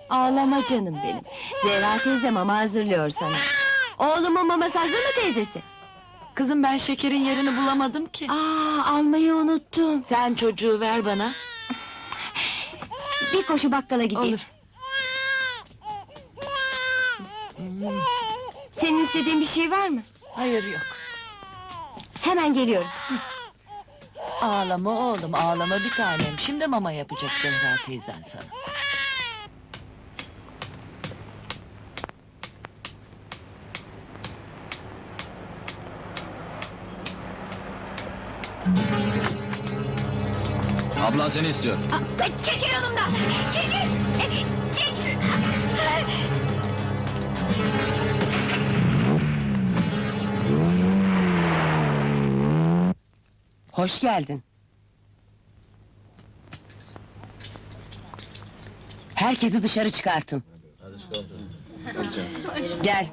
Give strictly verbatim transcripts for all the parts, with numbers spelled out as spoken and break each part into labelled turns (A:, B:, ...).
A: Ağlama canım benim. Zehra teyze mama hazırlıyor sana. Oğlumun maması hazır mı teyzesi?
B: Kızım ben şekerin yerini bulamadım ki.
A: Aa, almayı unuttum.
B: Sen çocuğu ver bana.
A: Bir koşu bakkala gideyim.
B: Olur. Hmm,
A: Senin istediğin bir şey var mı?
B: hayır yok.
A: Hemen geliyorum.
B: Ağlama oğlum, ağlama bir tanem. Şimdi mama yapacak Zehra teyzen sana.
C: Ablan seni istiyor.
A: Aa, çekil yolumdan! Çekil! Çekil!
D: Hoş geldin. Herkesi dışarı çıkartın. Gel.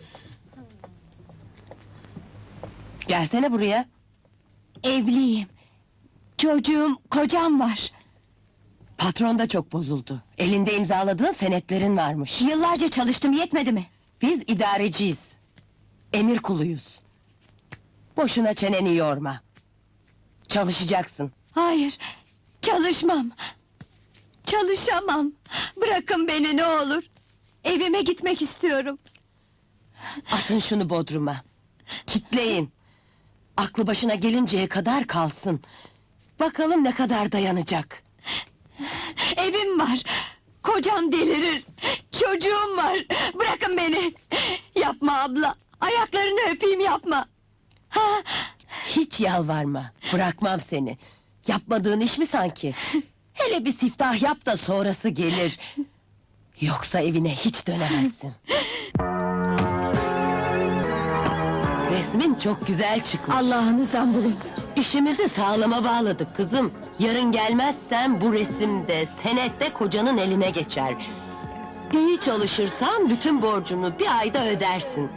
D: Gelsene buraya.
A: Evliyim. Çocuğum, kocam var.
D: Patron da çok bozuldu. Elinde imzaladığın senetlerin varmış.
A: Yıllarca çalıştım, yetmedi mi?
D: Biz idareciyiz. Emir kuluyuz. Boşuna çeneni yorma. Çalışacaksın.
A: Hayır, çalışmam. Çalışamam. Bırakın beni ne olur. Evime gitmek istiyorum.
D: Atın şunu bodruma. Kitleyin. Aklı başına gelinceye kadar kalsın. Bakalım ne kadar dayanacak.
A: Evim var. Kocam delirir. Çocuğum var. Bırakın beni. Yapma abla. Ayaklarını öpeyim, yapma. Ha,
D: Hiç yalvarma. Bırakmam seni. Yapmadığın iş mi sanki? Hele bir siftah yap da sonrası gelir. Yoksa evine hiç dönemezsin. Resmin çok güzel çıkmış.
A: Allah'ınızdan bulun.
D: İşimizi sağlama bağladık kızım. Yarın gelmezsen bu resimde, senette kocanın eline geçer. İyi çalışırsan bütün borcunu bir ayda ödersin.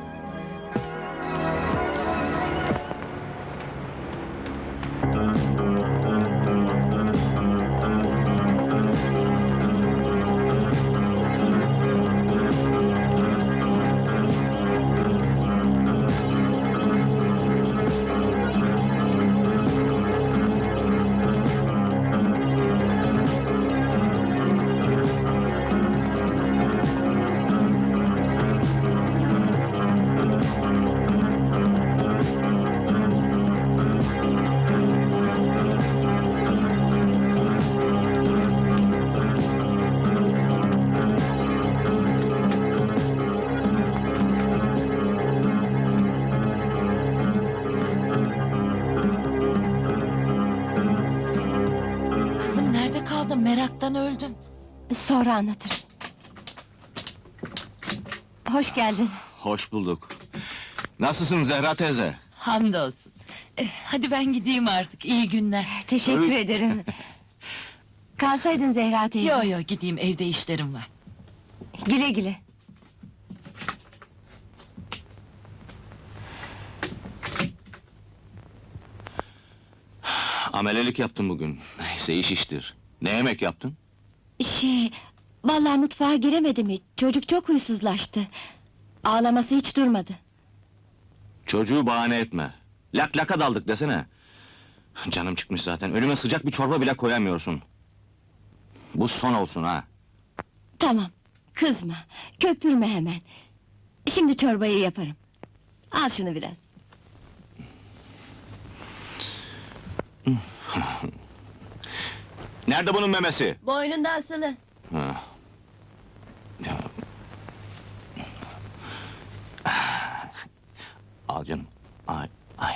B: Kızım nerede kaldın? Meraktan öldüm.
A: Sonra anlatırım. Hoş geldin.
C: Hoş bulduk. Nasılsın Zehra teyze?
B: Hamdolsun. Eh, hadi ben gideyim artık, iyi günler.
A: Teşekkür
C: Öyle-
A: ederim. Kalsaydın Zehra teyze.
B: Yo yo, gideyim, evde işlerim var.
A: Güle güle.
C: Amelelik yaptım bugün. Neyse iş iştir. Ne yemek yaptın?
A: Şey, vallahi mutfağa giremedim hiç. Çocuk çok huysuzlaştı. Ağlaması hiç durmadı.
C: Çocuğu bahane etme. Lak laka daldık desene. Canım çıkmış zaten. Önüme sıcak bir çorba bile koyamıyorsun. Bu son olsun ha.
A: Tamam, kızma, köpürme hemen. Şimdi çorbayı yaparım. Al şunu biraz.
C: Nerede bunun memesi?
A: Boynunda asılı.
C: Ha. Ya. Al canım. Ay, ay.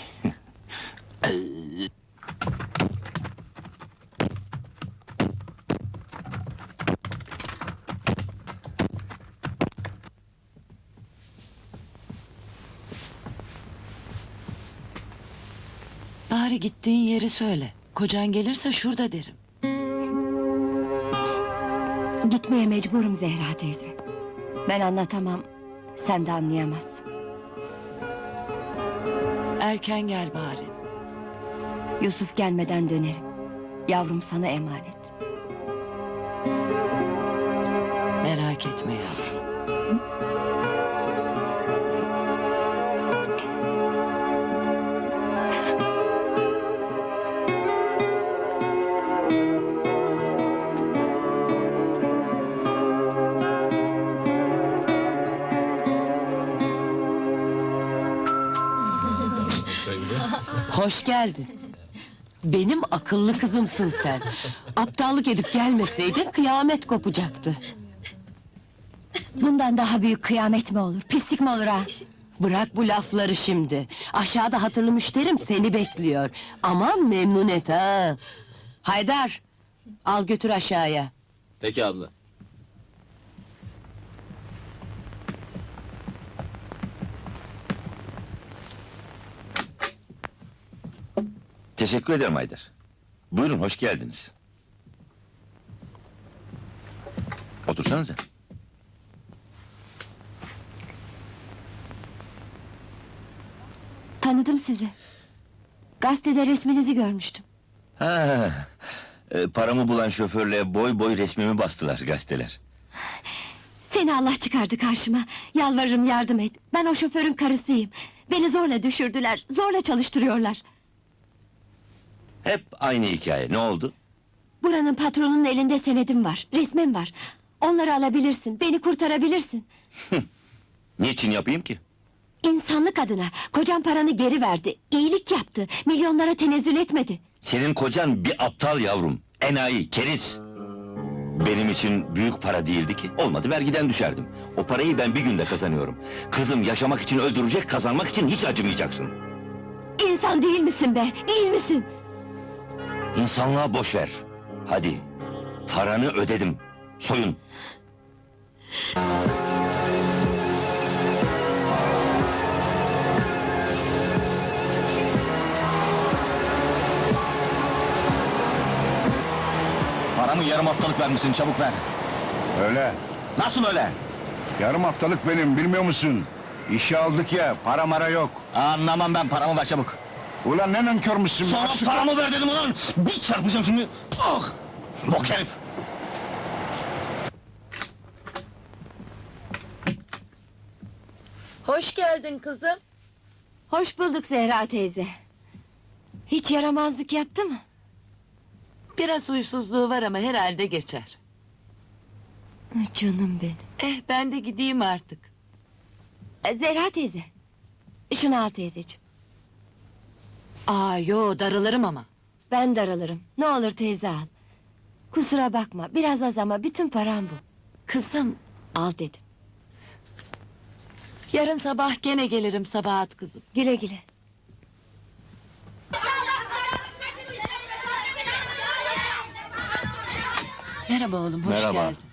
B: Bari gittiğin yeri söyle. Kocan gelirse şurada derim.
A: Gitmeye mecburum Zehra teyze. Ben anlatamam, sen de anlayamazsın.
B: Erken gel bari.
A: Yusuf gelmeden dönerim. Yavrum sana emanet.
D: Hoş geldin. Benim akıllı kızımsın sen. Aptallık edip gelmeseydin kıyamet kopacaktı.
A: Bundan daha büyük kıyamet mi olur, pislik mi olur ha?
D: Bırak bu lafları şimdi. Aşağıda hatırlı müşterim seni bekliyor. Aman memnun et ha. Haydar, al götür aşağıya.
C: Peki abla.
E: Teşekkür ederim Haydar. Buyurun, hoş geldiniz. Otursanıza.
A: Tanıdım sizi. Gazetede resminizi görmüştüm.
E: Ha, e, paramı bulan şoförle boy boy resmimi bastılar gazeteler.
A: Seni Allah çıkardı karşıma. Yalvarırım yardım et. Ben o şoförün karısıyım. Beni zorla düşürdüler, zorla çalıştırıyorlar.
E: Hep aynı hikaye, ne oldu?
A: Buranın patronunun elinde senedim var, resmim var. Onları alabilirsin, beni kurtarabilirsin.
E: Niçin yapayım ki?
A: İnsanlık adına, kocam paranı geri verdi, iyilik yaptı, milyonlara tenezzül etmedi.
E: Senin kocan bir aptal yavrum, enayi, keriz. Benim için büyük para değildi ki, olmadı vergiden düşerdim. O parayı ben bir günde kazanıyorum. Kızım yaşamak için öldürecek, kazanmak için hiç acımayacaksın.
A: İnsan değil misin be, değil misin?
E: İnsanlığa boş ver. Hadi, paranı ödedim, soyun.
C: Paramı yarım haftalık vermişsin, çabuk ver.
F: Öyle.
C: Nasıl öyle?
F: Yarım haftalık benim, bilmiyor musun? İşe aldık ya, para mara yok.
C: Anlamam ben, paramı ver çabuk.
F: Ulan ne nankörmüşsün?
C: Sana
F: Açlık-
C: paramı ver dedim ulan! Bir çarpacağım şimdi! Ah! Bok herif!
B: Hoş geldin kızım.
A: Hoş bulduk Zehra teyze. Hiç yaramazlık yaptı mı?
B: Biraz huysuzluğu var ama herhalde geçer.
A: Canım benim.
B: Eh, ben de gideyim artık.
A: E, Zehra teyze. Şunu al teyzeciğim.
B: Aa, yo, darılırım ama.
A: Ben daralırım. Ne olur teyze al. Kusura bakma, biraz az ama bütün param bu.
B: Kızım,
A: Al dedim.
B: yarın sabah gene gelirim Sabahat kızım.
A: Güle güle.
B: Merhaba oğlum, hoş
E: Merhaba.
B: geldin.